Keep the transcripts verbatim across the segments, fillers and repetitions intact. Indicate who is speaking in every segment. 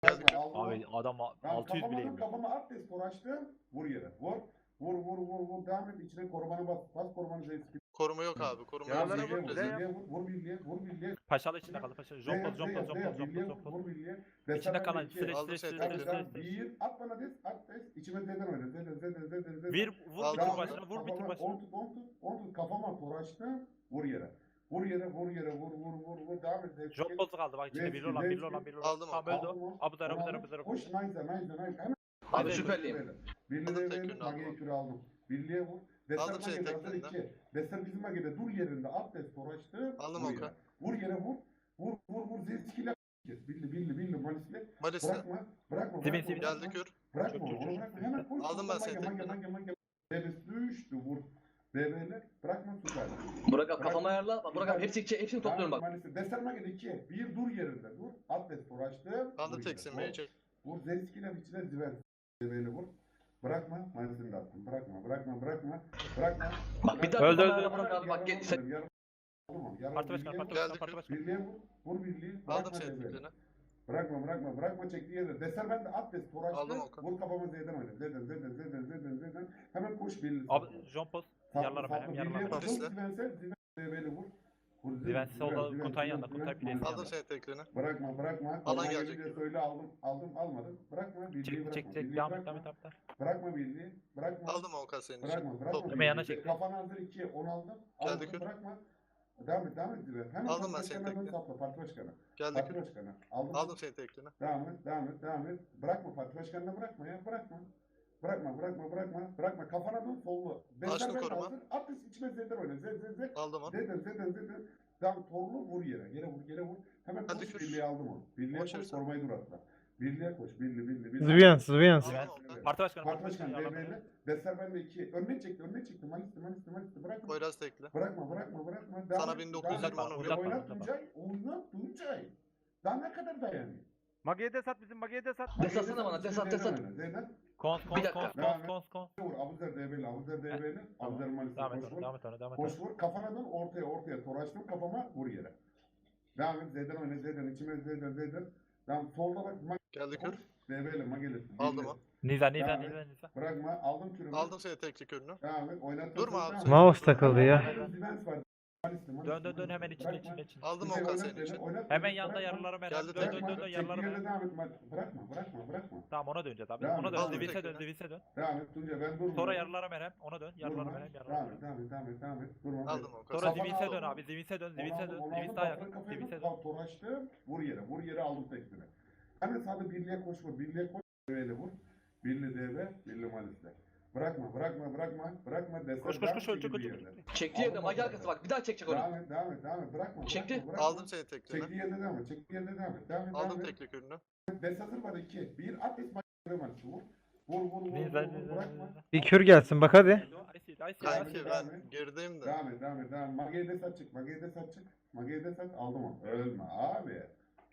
Speaker 1: Geldik.
Speaker 2: Bırakma, aldım.
Speaker 3: Abi adam
Speaker 2: Ben
Speaker 3: altı yüz
Speaker 2: kafama
Speaker 3: bile
Speaker 2: dön,
Speaker 3: yemiyor.
Speaker 2: kafama at des uğraştım. Vur yere. Vur. Vur vur vur vur. Devam et. İçine korumanı bas. Bas korumanı zeytin.
Speaker 1: Koruma yok abi. Koruma yok.
Speaker 4: Yaralara
Speaker 2: Birliğe
Speaker 4: vur,
Speaker 2: vur.
Speaker 4: Z yap.
Speaker 2: Birliğe vur. Vur birliğe. Vur birliğe.
Speaker 3: Paşalı içinde kaldı paşalı. Jompos jompos jompos
Speaker 2: Birliğe
Speaker 3: jompos
Speaker 2: vur.
Speaker 3: jompos.
Speaker 2: Vur birliğe.
Speaker 3: İçinde kalan
Speaker 2: iki.
Speaker 3: stres
Speaker 1: Aldım
Speaker 3: stres
Speaker 1: seni,
Speaker 3: stres
Speaker 1: tekrar.
Speaker 3: stres
Speaker 2: Tamam,
Speaker 3: stres.
Speaker 2: bir. At bana des. At des. İçime zeden oyna. Zeden zeden zeden zeden.
Speaker 3: Bir vur
Speaker 1: Aldım
Speaker 3: bir tur
Speaker 1: onu.
Speaker 3: başına vur bir tur
Speaker 2: On
Speaker 3: başına.
Speaker 2: tut on tut. On tut. Kafama uğraştım. Vur yere. Vur yere. Vur yere. Vur vur vur vur. Devam et.
Speaker 3: Jompos kaldı bak içinde bir olan bir olan bir olan.
Speaker 1: Aldım
Speaker 3: Tamam öldü o. Abu Dara Abu Dara Abu Dara.
Speaker 2: Koş nice nice nice. Hemen
Speaker 4: Abi
Speaker 3: Birliğe
Speaker 4: süperliyim.
Speaker 2: Birliğe
Speaker 1: Aldım
Speaker 2: verin,
Speaker 1: tekrini,
Speaker 2: Mage'yi
Speaker 1: aldım.
Speaker 2: küre aldım. Birliğe vur. Deser
Speaker 1: Aldım seni
Speaker 2: Mage'de hazır
Speaker 1: tekrinden.
Speaker 2: iki. Deser bizim Mage'de dur yerinde. At des uğraştı.
Speaker 1: Aldım
Speaker 2: Vur
Speaker 1: Okan.
Speaker 2: yere. Vur yere vur. Vur vur vur. Zilskiyle kes. Billi billi billi malisle.
Speaker 1: Malis'le.
Speaker 2: Bırakma. Bırakma.
Speaker 3: Dibin,
Speaker 2: Bırakma.
Speaker 3: dibin.
Speaker 2: bırakma.
Speaker 1: Geldi kür.
Speaker 2: Bırakma.
Speaker 3: Çok, çok,
Speaker 2: Onu
Speaker 3: çok,
Speaker 2: bırakma.
Speaker 3: çok.
Speaker 2: Hemen koş.
Speaker 1: Aldım ben
Speaker 2: Mage,
Speaker 1: seni
Speaker 2: Mage
Speaker 1: tekrini.
Speaker 2: Mage Mage. Bebes düştü. Vur. Bebeler. Bırakma süper.
Speaker 4: Burak abi kafama ayarla. Bak Burak abi hepsi, hepsini topluyorum bak.
Speaker 2: Maalesef. Deser Mage'de iki. Bir dur yerinde. Dur. At des uğraştı.
Speaker 1: Aldım
Speaker 2: Vur
Speaker 1: teksin
Speaker 2: yere. Vur.
Speaker 1: meyecek.
Speaker 2: Vur Zeliski'yle içine ziver. Bebeğini vur. Bırakma. Malisini de attım. Bırakma. Bırakma. Bırakma. Bırakma.
Speaker 4: Bak bir daha
Speaker 3: Öldü,
Speaker 4: kafama
Speaker 3: öldü.
Speaker 4: ayarla Burak abi bak gel. Sen...
Speaker 3: Parti başkanı parti başkanı parti başkanı.
Speaker 2: Birliğe vur. Vur birliği.
Speaker 1: Aldım
Speaker 2: Bırakma
Speaker 1: seni
Speaker 2: bebeğini.
Speaker 1: tekrini.
Speaker 2: Bırakma bırakma. Bırakma çektiği yerde. Deser ben de at des.
Speaker 1: Aldım
Speaker 2: Toraştı.
Speaker 1: Okan.
Speaker 2: Vur kafama Z'den oyna. Z'den Z'den Z'den Z'den Z'den. Hemen koş birliği.
Speaker 3: Abi Jompos yarlara ben yarlara.
Speaker 2: Birliğe vur.
Speaker 1: Paris'le.
Speaker 2: Zivense. Ziven bebeğini vur. Vur.
Speaker 3: Ziven
Speaker 2: Ziven,
Speaker 3: solda
Speaker 2: Ziven,
Speaker 3: Kutay
Speaker 2: Ziven,
Speaker 3: yanında,
Speaker 2: Ziven.
Speaker 3: Kutay Pilesi
Speaker 1: Aldım seni tekrini.
Speaker 2: Bırakma bırakma.
Speaker 1: Alan
Speaker 2: Koruma
Speaker 1: gelecek.
Speaker 2: gelince söyle aldım. Aldım almadım. Bırakma. Birliği
Speaker 3: Çek
Speaker 2: bırakma.
Speaker 3: çek çek
Speaker 2: Birliği
Speaker 3: devam et
Speaker 2: bırakma.
Speaker 3: devam et devam et.
Speaker 2: Bırakma birliği. Bırakma.
Speaker 1: Aldım Okan senin için.
Speaker 2: Bırakma, bırakma.
Speaker 1: Topla.
Speaker 3: Hemen yana çek.
Speaker 2: Kafana hazır iki, on aldım.
Speaker 1: Geldi
Speaker 2: Aldım,
Speaker 1: kür.
Speaker 2: bırakma. Devam et, devam et. Dibe. Hemen
Speaker 1: Aldım
Speaker 2: parti
Speaker 1: ben seni
Speaker 2: başkanına dön
Speaker 1: tekrar.
Speaker 2: sapla, parti başkanı.
Speaker 1: Geldi
Speaker 2: Parti
Speaker 1: kür.
Speaker 2: başkanı. Aldım.
Speaker 1: Aldım seni tekrini.
Speaker 2: Devam et, devam et, devam et. Bırakma, parti başkanına bırakma ya, bırakma. Bırakma, bırakma, bırakma. Bırakma, kafana dön, sollu.
Speaker 1: Açtım
Speaker 2: ben
Speaker 1: koruma.
Speaker 2: hazır. At des içime zeder oyna. Zed, zed, zed.
Speaker 1: Aldım onu.
Speaker 2: Zeden, zeden, zeden. Devam, torlu vur yere. Yere vur, yere vur. Hemen
Speaker 1: Hadi
Speaker 2: koş,
Speaker 1: kür.
Speaker 2: birliğe aldım onu. Birliğe
Speaker 1: Boş
Speaker 2: koş,
Speaker 1: versen.
Speaker 2: korumayı dur atla. Birliğe koş, birliğe, birliğe, birliğe.
Speaker 5: Zviyan, Zviyan.
Speaker 1: Aldım Okan.
Speaker 3: Parti başkanı
Speaker 2: Parti
Speaker 3: parti başkanı
Speaker 2: başkanı
Speaker 3: yarlara.
Speaker 2: D B'li. Deser bende iki. Önüne çekti, önüne çekti. Malisti, malisti, malisti. Bırakma.
Speaker 1: Poyraz tekli.
Speaker 2: Bırakma, bırakma, bırakma.
Speaker 1: Sana bin dokuz yüz yirmi
Speaker 2: devam et.
Speaker 1: onu
Speaker 3: uzatma,
Speaker 2: Oynat
Speaker 3: uzatma.
Speaker 2: Tuncay, oynat Tuncay. Daha ne kadar dayanıyor?
Speaker 4: Mage'ye de sat bizim Mage'ye de sat.
Speaker 2: Bak,
Speaker 4: Desatsana bana, desat,
Speaker 2: Zeydan
Speaker 4: desat.
Speaker 2: oyna, Zeydan.
Speaker 3: Kons
Speaker 4: Bir
Speaker 3: kons
Speaker 4: dakika.
Speaker 3: kons
Speaker 2: Devam
Speaker 3: kons
Speaker 2: et.
Speaker 3: kons kons.
Speaker 2: Vur, Abuzer D B'li, Abuzer D B'li. Abuzer malisti.
Speaker 3: Devam et
Speaker 2: Koş
Speaker 3: ona
Speaker 2: vur.
Speaker 3: devam et ona devam et
Speaker 2: Koş
Speaker 3: ona.
Speaker 2: vur. Kafana dön, ortaya, ortaya. Toraştım kafama, vur yere. Devam et, Zeydan oyna, Zeydan. İçime Zeydan, Zeydan. Devam, solda bak. Mag-
Speaker 1: Geldi
Speaker 2: koş.
Speaker 1: kür.
Speaker 2: D B'li, Magelis.
Speaker 1: Aldım o.
Speaker 3: Niza Niza
Speaker 2: Devam
Speaker 3: Niza
Speaker 2: et.
Speaker 3: Niza.
Speaker 2: Bırakma, aldım kürümü.
Speaker 1: Aldım seni tekli kürünü.
Speaker 2: Devam et, oynattım.
Speaker 1: Durma
Speaker 2: seni,
Speaker 1: abi,
Speaker 2: devam
Speaker 1: sen-
Speaker 2: et.
Speaker 5: Mouse takıldı ya.
Speaker 2: Zivens var. Malisti, malisti,
Speaker 3: Dön dön dön
Speaker 2: malisti.
Speaker 3: hemen içine
Speaker 2: Bırakma.
Speaker 3: içine içine.
Speaker 1: Aldım
Speaker 2: Tuncay
Speaker 1: Okan
Speaker 2: oynat
Speaker 1: senin
Speaker 2: beni,
Speaker 1: için.
Speaker 2: oynat
Speaker 3: Hemen
Speaker 2: beni,
Speaker 3: yanında
Speaker 2: bırakma.
Speaker 3: yarılara merak.
Speaker 1: Geldi
Speaker 3: Dön dön
Speaker 1: tekrar.
Speaker 3: dön dön yarılara
Speaker 2: Çektiği yerde
Speaker 3: merak.
Speaker 2: devam et. Bak, Bırakma, bırakma, bırakma.
Speaker 3: Tamam ona döneceğiz abi.
Speaker 2: Devam
Speaker 3: Ona
Speaker 2: et.
Speaker 3: dön.
Speaker 1: Aldım
Speaker 3: Divinse
Speaker 1: tekrar.
Speaker 3: dön Divinse dön.
Speaker 2: Devam et Tuncay, ben durmuyorum.
Speaker 3: Sonra yarılara merhem. Ona dön. Yarılara
Speaker 2: Durma.
Speaker 3: merhem. Yarılara
Speaker 2: Devam et,
Speaker 3: merhem.
Speaker 2: devam et, devam et, devam et. Durma.
Speaker 1: Aldım Okan.
Speaker 3: Sonra
Speaker 2: Kafana
Speaker 3: Divinse
Speaker 2: al.
Speaker 3: dön abi. Divinse dön.
Speaker 2: Onu
Speaker 3: Divinse
Speaker 2: aldım,
Speaker 3: dön.
Speaker 2: onu
Speaker 3: Divinse
Speaker 2: aldım,
Speaker 3: daha
Speaker 2: kafana
Speaker 3: yakın.
Speaker 2: kafayı
Speaker 3: Divinse
Speaker 2: vur,
Speaker 3: dön.
Speaker 2: kal, toraştım. Vur yere, vur yere aldım tekstini. Hemen sağda birliğe koş vur, birliğe koş. Böyle vur. Birli D B, birli Malis'le. Bırakma, bırakma, bırakma, bırakma. Deser,
Speaker 3: Koş koş
Speaker 2: devam
Speaker 3: koş
Speaker 2: et
Speaker 3: ölecek
Speaker 2: gibi
Speaker 3: ölecek.
Speaker 2: yerde.
Speaker 4: Çektiği yerde Mage arkası bak. Bir daha çekecek onu.
Speaker 2: Devam et, devam et, devam et. Bırakma,
Speaker 4: Çekti.
Speaker 2: bırakma, bırakma.
Speaker 1: Aldım seni tekrini.
Speaker 2: Çektiği yerde devam et, çektiği yerde devam et. Devam et, devam
Speaker 1: Aldım
Speaker 2: et.
Speaker 1: tekli kürünü.
Speaker 2: Des hazır var iki. Bir at es Malis'le vur. Vur, vur, vur, vur,
Speaker 3: Niza
Speaker 2: vur,
Speaker 3: Niza
Speaker 2: bırakma.
Speaker 3: Niza.
Speaker 5: Bir kür gelsin bak hadi.
Speaker 3: Aysi Aysi
Speaker 2: Kanki,
Speaker 1: Kanki
Speaker 3: Aysi.
Speaker 2: devam
Speaker 1: ben
Speaker 2: et.
Speaker 1: gerideyim de.
Speaker 2: Devam et, devam et, devam et. Mage'yi de sat çık, Mage'yi de sat çık. Mage'yi de sat, aldım onu. Ölme abi.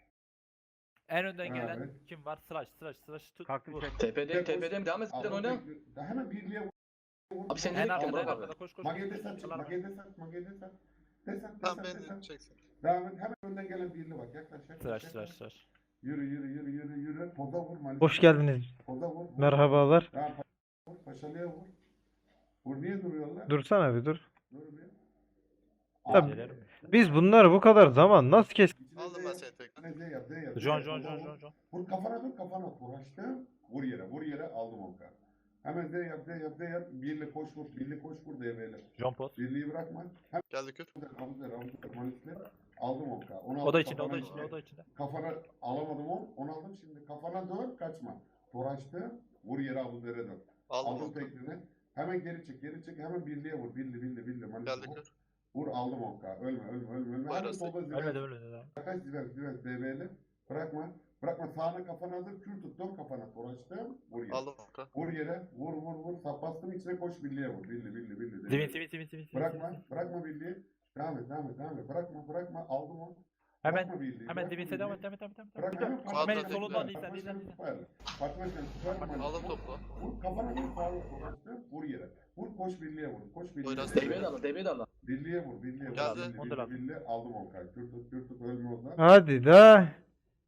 Speaker 3: En önden
Speaker 2: Evet.
Speaker 3: gelen kim var? Sıraç sıraç sıraç tut.
Speaker 4: Kalktım
Speaker 3: Vur.
Speaker 4: çek. Tepedeyim tepedeyim. Devam et. Sen
Speaker 2: Aldım
Speaker 4: oyna.
Speaker 2: tekli- Daha hemen birliğe vur.
Speaker 4: Abi sen
Speaker 3: En
Speaker 4: nereye gittin
Speaker 3: arkada en
Speaker 4: Burak abi?
Speaker 3: arkada koş koş.
Speaker 2: Mage'yi de
Speaker 3: koş,
Speaker 2: sat
Speaker 3: koş.
Speaker 2: çık,
Speaker 3: Yalan.
Speaker 2: Mage'yi de sat, Mage'yi de sat. De sat, de
Speaker 1: Tamam
Speaker 2: sat, de
Speaker 1: beni
Speaker 2: sat.
Speaker 1: çeksin.
Speaker 2: Devam et, hemen önden gelen birliğe bak. Yaklaş, yaklaş.
Speaker 3: Sıraç
Speaker 2: yaklaş.
Speaker 3: sıraç sıraç.
Speaker 2: Yürü, yürü, yürü, yürü, yürü. Poza vur, Malis.
Speaker 5: Hoş geldiniz.
Speaker 2: Poza vur. vur.
Speaker 5: Merhabalar.
Speaker 2: Devam, pa- vur, Paşalı'ya vur. Vur, niye duruyorlar?
Speaker 5: Dursana bir dur.
Speaker 2: Dur bir.
Speaker 5: Tabii.
Speaker 3: Gelelim.
Speaker 5: Biz bunları bu kadar zaman nasıl kes?
Speaker 2: İçine
Speaker 1: Aldım
Speaker 2: Z
Speaker 1: ben
Speaker 2: yap,
Speaker 1: seni tekrar.
Speaker 2: içine Z yap, Z yap. Z
Speaker 3: John
Speaker 2: yap,
Speaker 3: John
Speaker 2: poza
Speaker 3: John
Speaker 2: vur.
Speaker 3: John John.
Speaker 2: Vur kafana dur, kafana uğraştım. Vur yere, vur yere aldım o kadar. Hemen Z yap, Z yap, Z yap. Birli koş vur, birli koş vur devreyle.
Speaker 3: John Post.
Speaker 2: Birliği bırakma. Hemen
Speaker 1: Geldi kür.
Speaker 2: Abuzer, Abuzer, Malis'le aldım o kadar. Onu
Speaker 3: O
Speaker 2: aldım,
Speaker 3: da içinde o da
Speaker 2: kafana-
Speaker 3: içinde o da içinde.
Speaker 2: Kafana alamadım onu, onu aldım şimdi. Kafana dön, kaçma. Toraştı, vur yere Abuzer'e dön.
Speaker 1: Aldım
Speaker 2: Aldım
Speaker 1: Okan.
Speaker 2: tekniğini. Hemen geri çek, geri çek. Hemen birliğe vur. Birli, birli, birli. Malis'le
Speaker 1: Geldi
Speaker 2: vur.
Speaker 1: kür.
Speaker 2: Vur, aldım o kadar. Ölme, ölme, ölme. ölme. Hemen
Speaker 1: Buyurun.
Speaker 2: solda Zivert.
Speaker 3: Ölmedi ölmedi.
Speaker 2: Kaç Zivert, Zivert, D B'li. Bırakma. Bırakma sağına kafana hazır. Kür tut, dön kafana. Toraştım, vur yere.
Speaker 1: Aldım Okan.
Speaker 2: Vur yere, vur, vur, vur. Sap bastım içine koş birliğe vur. Birli, birli, birli. D
Speaker 3: Divin
Speaker 2: B'li.
Speaker 3: divin divin divin.
Speaker 2: Bırakma, bırakma birliği. Devam et, devam et, devam et. Bırakma, bırakma. Aldım onu.
Speaker 3: Hemen
Speaker 2: Bırakma birliği,
Speaker 3: hemen
Speaker 2: bırakma
Speaker 3: divinse devam
Speaker 2: birliği.
Speaker 3: et devam et devam et.
Speaker 2: Bırak
Speaker 3: devam et.
Speaker 2: hemen
Speaker 1: Hemen
Speaker 2: Fatma
Speaker 3: solundan
Speaker 2: Başkanı,
Speaker 3: Nisan,
Speaker 2: Fatma
Speaker 3: Nisan,
Speaker 2: Başkanı
Speaker 3: Nisan.
Speaker 2: süperli. Fatma Başkanı süperli.
Speaker 1: Aldım topla.
Speaker 2: Vur kafana vur sağlık sonuçta. Vur yere. Vur koş birliğe vur. Koş birliğe.
Speaker 1: Buyurun,
Speaker 4: Devreye de al. Devreye de al.
Speaker 2: Birliğe vur. Birliğe vur.
Speaker 1: Geldi.
Speaker 2: Birliğe,
Speaker 3: Onu da
Speaker 2: birliğe, birliğe. Aldım o kadar. Kür tut kür tut ölme o zaman.
Speaker 5: Hadi da.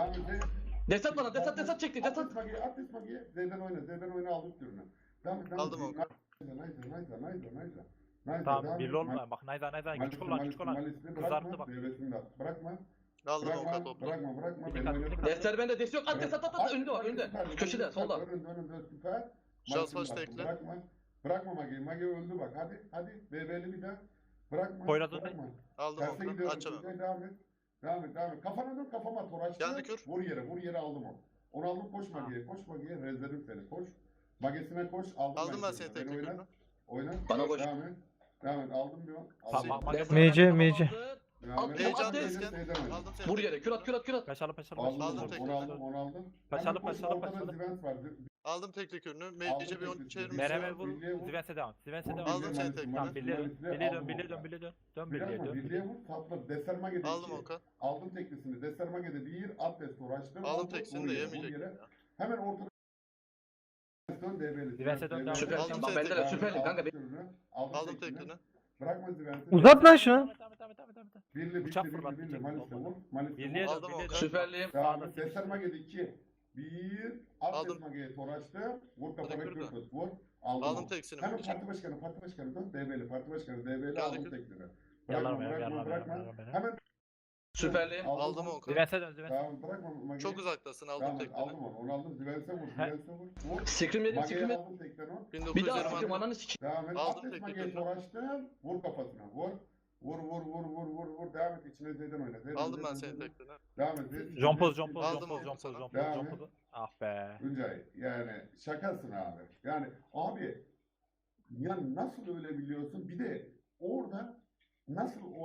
Speaker 2: Devam et.
Speaker 4: Desat bana, desat, desat çekti, desat.
Speaker 2: Atlet magiye, atlet magiye. Z'den oyna, Z'den oyna aldık türünü. Devam et, devam et.
Speaker 1: Aldım onu.
Speaker 2: Nice, nice, nice, nice, nice. Nice,
Speaker 3: Tamam
Speaker 2: devam
Speaker 3: birli
Speaker 2: et.
Speaker 3: olma. Bak Nayda Nayda
Speaker 2: Malisli,
Speaker 3: küçük olan
Speaker 2: Malisli,
Speaker 3: küçük olan.
Speaker 2: Malisli,
Speaker 3: Kızarttı
Speaker 2: bırakma,
Speaker 3: bak.
Speaker 2: devresini de at. Bırakma,
Speaker 1: Aldım Oka
Speaker 2: bırakma,
Speaker 1: toplu.
Speaker 2: bırakma, bırakma.
Speaker 3: Bir
Speaker 2: Beni
Speaker 3: dikkat,
Speaker 2: oyna.
Speaker 3: bir dikkat.
Speaker 4: Destler bende, dest yok. At, desat, at, at. Önünde var, önünde.
Speaker 2: Süper,
Speaker 4: Köşede,
Speaker 2: süper,
Speaker 4: solda.
Speaker 2: Önünde, önünde, süper.
Speaker 1: Şans
Speaker 2: Malisli
Speaker 1: baş
Speaker 2: bırak,
Speaker 1: tekle.
Speaker 2: Bırakma. Bırakma Magi. Magi öldü bak. Hadi, hadi. B B'li bir daha. Bırakma,
Speaker 3: Poyraz'ın-
Speaker 2: bırakma.
Speaker 1: Aldım
Speaker 2: Terse
Speaker 1: Oka.
Speaker 2: gidiyorum.
Speaker 1: Açamam.
Speaker 2: Tuncay, Devam et. Devam et, devam et. Kafana dön, kafama tor açtı.
Speaker 1: Geldi kür.
Speaker 2: Vur yere, vur yere aldım o. Onu aldım, koş Magi'ye, koş Magi'ye. Rezlerim seni, koş. Magesine koş, aldım.
Speaker 1: Aldım ben
Speaker 2: kürünü.
Speaker 1: seni
Speaker 2: Beni
Speaker 1: tekli
Speaker 2: oyna.
Speaker 1: kürünü.
Speaker 2: Oyna.
Speaker 4: Bana koş.
Speaker 2: Devam et. Devam et, aldım bir on.
Speaker 3: Tamam,
Speaker 2: Aldım.
Speaker 3: Magi-
Speaker 4: Destan
Speaker 5: M C,
Speaker 4: bende,
Speaker 5: M C.
Speaker 4: tamam, aldı.
Speaker 2: Devam et.
Speaker 4: Al,
Speaker 1: Heyecan
Speaker 2: Aldım,
Speaker 1: desken.
Speaker 2: Z'den oyna.
Speaker 1: Aldım seni.
Speaker 4: Vur yere, kür at, kür at, kür at.
Speaker 3: Paşalı paşalı
Speaker 2: Aldım,
Speaker 3: paşalı.
Speaker 1: Aldım
Speaker 2: onu,
Speaker 1: tekli.
Speaker 2: onu aldım, onu aldım.
Speaker 3: Paşalı,
Speaker 2: Hemen koş,
Speaker 3: paşalı,
Speaker 2: ortada
Speaker 3: paşalı.
Speaker 2: Zivent var.
Speaker 1: Aldım tekli kürünü.
Speaker 2: Aldım
Speaker 1: Meylice bir on
Speaker 2: tekli
Speaker 1: çevirmiş.
Speaker 2: kürünü.
Speaker 3: Merhaba vur.
Speaker 2: Birliğe vur.
Speaker 3: Zivens'e devam. Zivens'e
Speaker 2: Vur,
Speaker 3: devam.
Speaker 1: Aldım
Speaker 2: birliğe,
Speaker 1: seni
Speaker 2: Malisli,
Speaker 1: tekli.
Speaker 3: Tamam
Speaker 2: Malisli,
Speaker 3: birliğe dön.
Speaker 2: Malisli,
Speaker 3: Birliğe dön.
Speaker 2: aldım
Speaker 3: Birliğe
Speaker 2: Oka.
Speaker 3: dön. Birliğe dön. Dön
Speaker 2: Bir
Speaker 3: birliğe
Speaker 2: dakika,
Speaker 3: dön.
Speaker 2: birliğe vur, sapla. Desermage'de
Speaker 1: Aldım
Speaker 2: iki.
Speaker 1: Oka.
Speaker 2: Aldım teklisini. Desermage'de bir, Atlas uğraştım.
Speaker 1: Aldım
Speaker 2: vur
Speaker 1: tekisini de
Speaker 2: yere,
Speaker 1: yemeyecek.
Speaker 2: vur yere.
Speaker 1: ya.
Speaker 2: Hemen ortada. Dön D B'li.
Speaker 3: Zivent'e dön, devam.
Speaker 4: Süper.
Speaker 1: Aldım
Speaker 4: Bak
Speaker 1: seni
Speaker 4: bende de
Speaker 1: tekli.
Speaker 4: süperlik kanka.
Speaker 2: Aldım,
Speaker 1: Aldım
Speaker 2: teklini.
Speaker 1: teklini.
Speaker 2: Bırakma Zivent'i.
Speaker 5: Uzat lan şunu.
Speaker 3: Devam et, devam et, devam et, devam et, devam et.
Speaker 2: Birli,
Speaker 3: Bıçak
Speaker 2: birli, birli,
Speaker 3: fırlat,
Speaker 2: birli.
Speaker 3: bıçak
Speaker 2: Malis'le
Speaker 3: olmadı.
Speaker 2: vur. Malis'le
Speaker 3: Birliğe
Speaker 2: vur.
Speaker 3: dön.
Speaker 1: Aldım
Speaker 3: Birliğe
Speaker 1: Oka.
Speaker 3: dön.
Speaker 4: Süperliyim.
Speaker 2: Devam
Speaker 3: Sağda
Speaker 2: et.
Speaker 3: sekiz.
Speaker 2: Desermage'de iki. Bir. Atlas
Speaker 1: Aldım.
Speaker 2: Mage'ye toraştı. Vur kafana
Speaker 1: Bırakır da.
Speaker 2: kür tut. Vur. Aldım.
Speaker 1: Aldım
Speaker 2: onu.
Speaker 1: tekisini.
Speaker 2: Hemen
Speaker 1: Meylice.
Speaker 2: parti başkanı, parti başkanı dön. D B'li, parti başkanı. D B'li
Speaker 1: Geldi
Speaker 2: aldım
Speaker 1: kür.
Speaker 2: teklini.
Speaker 3: Yalar
Speaker 2: Bırakma,
Speaker 3: mı ya,
Speaker 2: bırakma,
Speaker 3: yalar mı,
Speaker 2: bırakma.
Speaker 3: yalar mı, yalar mı?
Speaker 2: Hemen
Speaker 4: Süperliyim.
Speaker 1: Aldım Oka.
Speaker 3: Zivens'e dön. Zivens'e.
Speaker 2: Tamam, bırakma Mage'yi.
Speaker 1: Çok uzaktasın. Aldım
Speaker 2: Tamam,
Speaker 1: tekini.
Speaker 2: aldım onu. Onu aldım. Zivens'e vur.
Speaker 3: He.
Speaker 2: Zivens'e vur. Vur.
Speaker 4: Sikrim yedim, sikrim
Speaker 2: Mage'yi
Speaker 4: yedim.
Speaker 2: aldım tekten o.
Speaker 4: Bir daha
Speaker 1: 1920
Speaker 4: sikrim,
Speaker 1: anne.
Speaker 4: ananı sikeyim.
Speaker 2: Devam et.
Speaker 1: Aldım
Speaker 2: Atlet
Speaker 1: tekli
Speaker 2: Mage'yi
Speaker 1: tekini.
Speaker 2: toraştım. Vur kafasına. Vur. Vur vur vur vur vur vur. Devam et. İçine Z'den oyna. Z'den,
Speaker 1: Aldım ben
Speaker 2: Z'den,
Speaker 1: seni
Speaker 2: Z'den.
Speaker 1: tekline.
Speaker 2: Devam et. Z-
Speaker 3: Jompoz,
Speaker 2: Z-
Speaker 3: jompoz,
Speaker 1: Aldım
Speaker 3: jompoz,
Speaker 1: onu
Speaker 3: jompoz,
Speaker 1: sana.
Speaker 3: jompoz,
Speaker 2: Devam et.
Speaker 3: jompoz. Ah be.
Speaker 2: Tuncay yani şakasın abi. Yani abi ya nasıl öyle biliyorsun? Bir de orada nasıl o